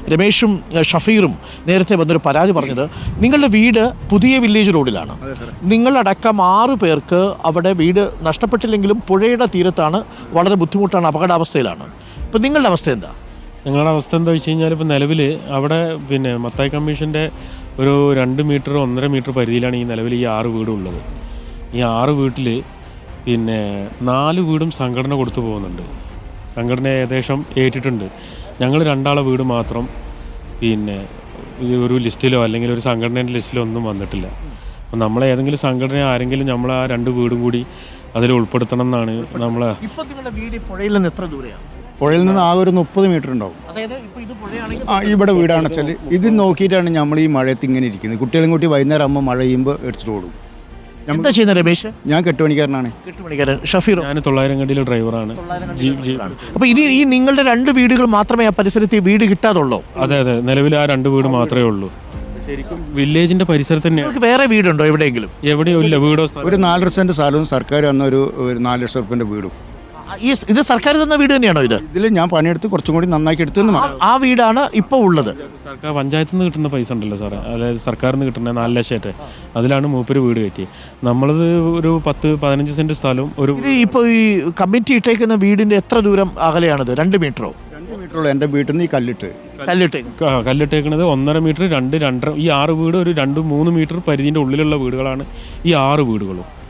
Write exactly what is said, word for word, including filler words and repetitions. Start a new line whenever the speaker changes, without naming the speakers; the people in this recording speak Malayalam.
രമേഷും ഷഫീറും നേരത്തെ വന്നൊരു പരാതി പറഞ്ഞത് നിങ്ങളുടെ വീട് പുതിയ വില്ലേജ് റോഡിലാണ്. നിങ്ങളടക്കം ആറു പേർക്ക് അവിടെ വീട് നഷ്ടപ്പെട്ടില്ലെങ്കിലും പുഴയുടെ തീരത്താണ്, വളരെ ബുദ്ധിമുട്ടാണ്, അപകടാവസ്ഥയിലാണ്. ഇപ്പം നിങ്ങളുടെ അവസ്ഥ എന്താ?
ഞങ്ങളുടെ അവസ്ഥ എന്താ വെച്ച് കഴിഞ്ഞാൽ ഇപ്പോൾ നിലവിൽ അവിടെ പിന്നെ മത്തായി കമ്മീഷൻ്റെ ഒരു രണ്ട് മീറ്റർ ഒന്നര മീറ്റർ പരിധിയിലാണ് ഈ നിലവിൽ ഈ ആറ് വീടുള്ളത്. ഈ ആറ് വീട്ടിൽ പിന്നെ നാല് വീടും സംഘടന കൊടുത്തു പോകുന്നുണ്ട്. സംഘടന ഏകദേശം ഏറ്റിട്ടുണ്ട്. ഞങ്ങൾ രണ്ടാളെ വീട് മാത്രം പിന്നെ ഒരു ലിസ്റ്റിലോ അല്ലെങ്കിൽ ഒരു സംഘടനയുടെ ലിസ്റ്റിലോ ഒന്നും വന്നിട്ടില്ല. അപ്പം നമ്മളെ ഏതെങ്കിലും സംഘടന ആരെങ്കിലും നമ്മൾ ആ രണ്ട് വീടും കൂടി അതിൽ ഉൾപ്പെടുത്തണം എന്നാണ് നമ്മളെ.
ഇപ്പം നിങ്ങളുടെ വീട് പുഴയിൽ നിന്ന് എത്ര ദൂരെയാണ്?
പുഴയിൽ നിന്ന് ആകെ ഒരു മുപ്പത് മീറ്റർ ഉണ്ടാവും. ആ ഇവിടെ വീടാണ് വെച്ചാൽ ഇത് നോക്കിയിട്ടാണ് നമ്മൾ ഈ മഴയത്ത് ഇങ്ങനെ ഇരിക്കുന്നത്. കുട്ടികളും കൂട്ടി വൈകുന്നേരം ആകുമ്പോൾ മഴ ചെയ്യുമ്പോൾ എടുത്തിട്ട് ഓടും.
എന്താ ചെയ്യുന്നത് രമേശ്?
ഞാൻ കെട്ടുപണിക്കാരനാണ്.
കെട്ടുപണിക്കാരൻ. ഷഫീർ?
ഞാൻ തൊള്ളായിരം കണ്ടിയിലെ ഡ്രൈവറാണ്.
അപ്പോൾ ഇനി ഈ നിങ്ങളുടെ രണ്ട് വീടുകൾ മാത്രമേ ആ പരിസരത്ത് ഈ വീട് കിട്ടാതുള്ളൂ?
അതെ അതെ, നിലവിൽ ആ രണ്ട് വീട് മാത്രമേ ഉള്ളൂ. ശരിക്കും വില്ലേജിന്റെ പരിസരത്ത് തന്നെയാണ്.
വേറെ വീടുണ്ടോ എവിടെയെങ്കിലും?
എവിടെയോ ഇല്ല. വീടോ
ഒരു നാലര സെന്റ് സ്ഥലവും സർക്കാർ തന്ന ഒരു നാല് ലക്ഷം റുപ്യന്റെ വീടും.
ഈ ഇത് സർക്കാർ തന്ന വീട് തന്നെയാണോ ഇത്?
ഇതിൽ ഞാൻ പണിയെടുത്ത് കുറച്ചും കൂടി നന്നാക്കി എടുത്തു.
ആ വീടാണ് ഇപ്പോൾ ഉള്ളത്.
സർക്കാർ പഞ്ചായത്തിൽ നിന്ന് കിട്ടുന്ന പൈസ ഉണ്ടല്ലോ സാറേ, അതായത് സർക്കാരിൽ നിന്ന് കിട്ടുന്ന നാല് ലക്ഷമായിട്ട് അതിലാണ് മൂപ്പര് വീട് കയറ്റി. നമ്മളത് ഒരു പത്ത് പതിനഞ്ച് സെന്റ് സ്ഥലവും ഒരു.
ഇപ്പോൾ ഈ കമ്മിറ്റി ഇട്ടേക്കുന്ന വീടിന്റെ എത്ര ദൂരം അകലെയാണിത്? രണ്ട് മീറ്ററോ?
രണ്ട് മീറ്ററുള്ള എൻ്റെ വീട്ടിൽ നിന്ന് ഈ കല്ലിട്ട്
കല്ലിട്ട്
കല്ലിട്ടേക്കുന്നത് ഒന്നര മീറ്റർ രണ്ട് രണ്ടര ഈ ആറ് വീട് ഒരു രണ്ട് മൂന്ന് മീറ്റർ പരിധിൻ്റെ ഉള്ളിലുള്ള വീടുകളാണ് ഈ ആറ് വീടുകളും.